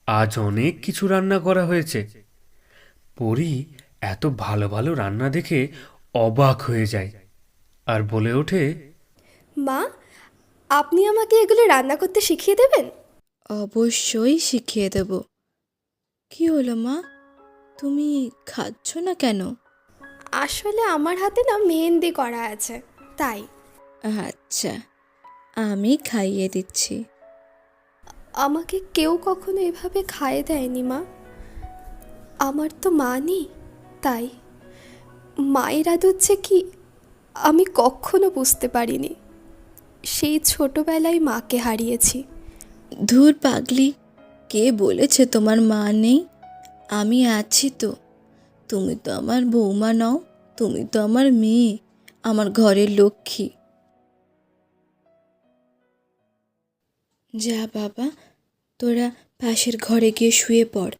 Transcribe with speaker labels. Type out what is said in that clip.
Speaker 1: আজ অনেক কিছু রান্না করা হয়েছে। পরি এত ভালো ভালো রান্না দেখে অবাক হয়ে যায় আর বলে ওঠে,
Speaker 2: মা, আপনি আমাকে এগুলো রান্না করতে শিখিয়ে দেবেন?
Speaker 3: অবশ্যই শিখিয়ে দেব। কি হলো মা, তুমি খাচ্ছ না কেন?
Speaker 2: আসলে আমার হাতে না মেহেন্দি করা আছে, তাই।
Speaker 3: আচ্ছা, আমি খাইয়ে দিচ্ছি।
Speaker 2: আমাকে কেউ কখনো এভাবে খাইয়ে দেয়নি মা। আমার তো মা নেই, তাই। মায়ের আদর যে কি আমি কখনো বুঝতে পারিনি। সেই ছোটবেলায় মাকে হারিয়েছি।
Speaker 3: ধুর পাগলি, কে বলেছে তোমার মা নেই? আমি আছি তো। তুমি তো আমার বৌমা নও, তুমি তো আমার মেয়ে, আমার ঘরের লক্ষ্মী। যা বাবা, তোরা পাশের ঘরে গিয়ে শুয়ে পড়,